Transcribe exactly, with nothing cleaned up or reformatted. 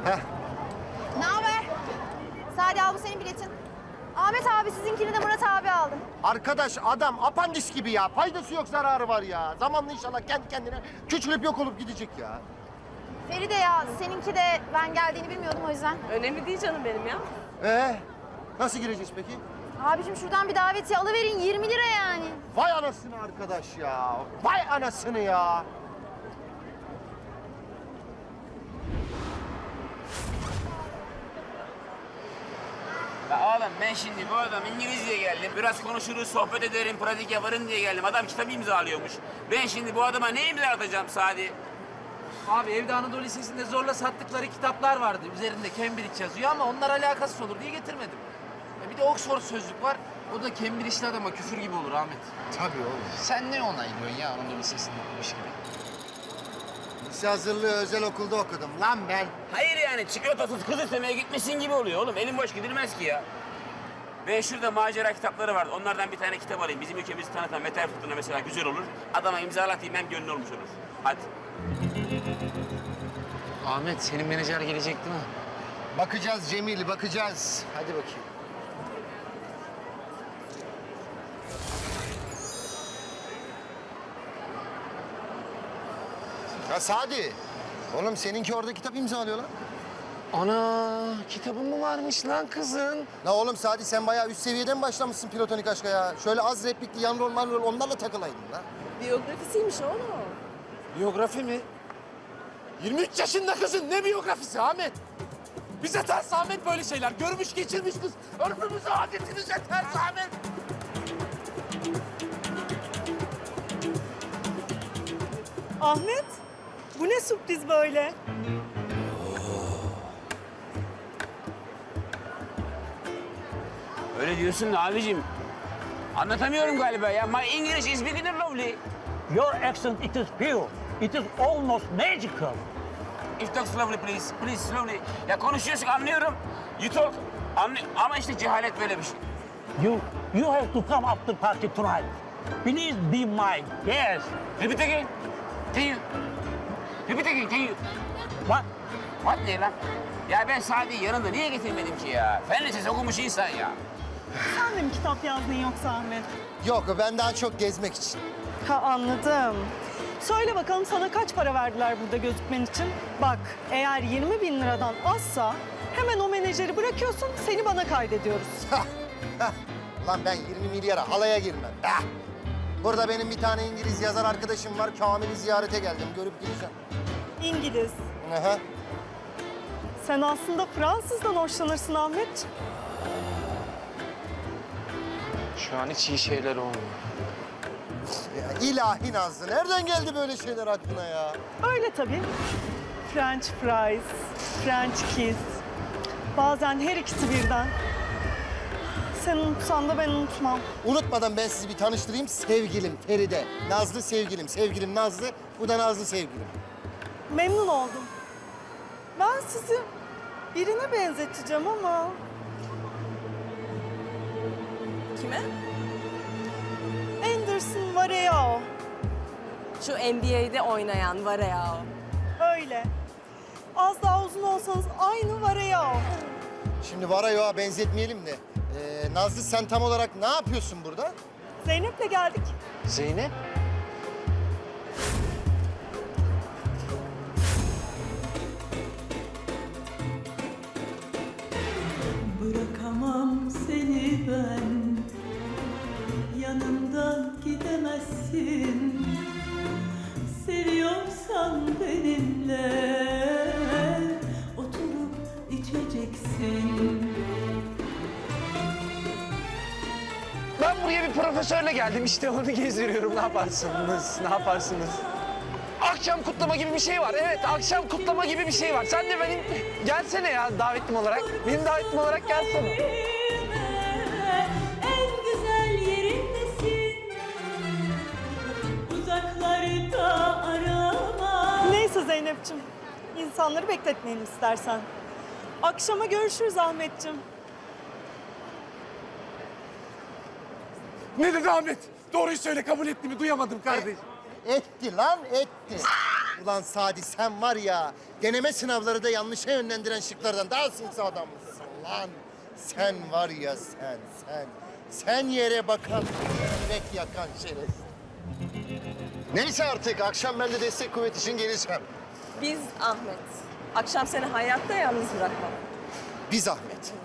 Heh. Ne haber? Sadi al bu senin biletin. Ahmet abi sizinkini de Murat abi aldı. Arkadaş adam apandis gibi ya. Faydası yok, zararı var ya. Zamanla inşallah kendi kendine küçülüp yok olup gidecek ya. Feride ya seninki de ben geldiğini bilmiyordum o yüzden. Önemli değil canım benim ya. Ee, nasıl gireceğiz peki? Abicim şuradan bir davetiye alıverin yirmi lira yani. Vay anasını arkadaş ya. Vay anasını ya. Ya oğlum ben şimdi bu adam İngilizce geldim. Biraz konuşuruz, sohbet ederim, pratik yaparım diye geldim. Adam kitap imzalıyormuş. Ben şimdi bu adama ne imza atacağım Sadi? Abi evde Anadolu Lisesi'nde zorla sattıkları kitaplar vardı. Üzerinde Cambridge yazıyor ama onlar alakasız olur diye getirmedim. Ya bir de Oxford sözlük var. O da Cambridge'li adama küfür gibi olur Ahmet. Tabii oğlum. Sen ne onaylıyorsun ya Anadolu Lisesi'nde okumuş gibi? Lise hazırlığı özel okulda okudum lan ben. Hayır yani çikolatasız kız istemeye gitmişsin gibi oluyor oğlum. Elim boş gidilmez ki ya. Ben şurada macera kitapları vardı. Onlardan bir tane kitap alayım. Bizim ülkemizi tanıtan Meteor Fırtına mesela güzel olur. Adama imzalatayım hem gönlü olmuş olur. Hadi. Ahmet senin menajer gelecek değil mi? Bakacağız Cemil, bakacağız. Hadi bakayım. Ya Sadi, oğlum seninki orada kitap imzalıyor lan. Ana kitabın mı varmış lan kızın? La oğlum Sadi sen bayağı üst seviyeden başlamışsın platonik aşka ya. Şöyle az replikli yan rol man rol onlarla takılaydın lan. Biyografisiymiş oğlum. Biyografi mi? yirmi üç yaşında kızın ne biyografisi Ahmet? Bize ters Ahmet böyle şeyler. Görmüş geçirmiş kız. Örfümüze adetimize ters Ahmet. Ahmet, bu ne sürpriz böyle? Öyle diyorsun da abicim. Anlatamıyorum galiba ya. My English is beginner lovely. Your accent, it is pure. It is almost magical. If talk slowly please. Please slowly. Ya konuşuyorsun anlıyorum. You talk. Anlı ama işte cehalet böyle bir şey. You, you have to come after party tonight. Please be mine. Yes. Repeat again. Can you? Repeat again. Can you? What? What ne lan? Ya ben Sadi'yi yanında niye getirmedim ki ya? Fen lisesi okumuş insan ya. Sen de mi kitap yazdın yoksa Ahmet? Yok ben daha çok gezmek için. Ha anladım. Söyle bakalım sana kaç para verdiler burada gözükmen için? Bak eğer yirmi bin liradan azsa hemen o menajeri bırakıyorsun, seni bana kaydediyoruz. Hah, hah. Lan ben yirmi milyara halaya girmem. Hah. Burada benim bir tane İngiliz yazar arkadaşım var. Kamil'i ziyarete geldim. Görüp gideceğim. İngiliz. Aha. Sen aslında Fransızdan hoşlanırsın Ahmet. Şu an hiç iyi şeyler olmuyor. Ya, ilahi Nazlı. Nereden geldi böyle şeyler aklına ya? Öyle tabii. French fries, French kiss. Bazen her ikisi birden. Sen unutsan da ben unutmam. Unutmadan ben sizi bir tanıştırayım. Sevgilim Feride. Nazlı sevgilim. Sevgilim Nazlı. Bu da Nazlı sevgilim. Memnun oldum. Ben sizi birine benzeteceğim ama... Kime? Anderson Varela. Şu N B A'de oynayan var ya o. Öyle. Az daha uzun olsanız aynı Varela. Şimdi Varayo'a benzetmeyelim de. Ee, Nazlı sen tam olarak ne yapıyorsun burada? Zeynep'le geldik. Zeynep? Bırakamam seni ben, yanımdan gidemezsin. Seviyorsan benimle oturup içeceksin. Ben buraya bir profesörle geldim. İşte onu gezdiriyorum. Ne yaparsınız? Ne yaparsınız? Akşam kutlama gibi bir şey var. Evet, akşam kutlama gibi bir şey var. Sen de benim... Gelsene ya davetlim olarak. Benim davetlim olarak gelsene. En güzel yerindesin, uzaklarda arama. Neyse Zeynep'ciğim, insanları bekletmeyelim istersen. Akşama görüşürüz Ahmet'ciğim. Ne dedi Ahmet? Doğruyu söyle, kabul etti mi? Duyamadım kardeş. Etti lan etti. Ulan Sadi sen var ya, deneme sınavları da yanlışa yönlendiren şıklardan daha sinsi adammışsın lan. Sen var ya sen, sen. Sen yere bakan, yürek yakan şerefsiz. Neyse artık, akşam ben de destek kuvvet için geleceğim. Biz Ahmet. Akşam seni hayatta yalnız bırakmam. Biz Ahmet.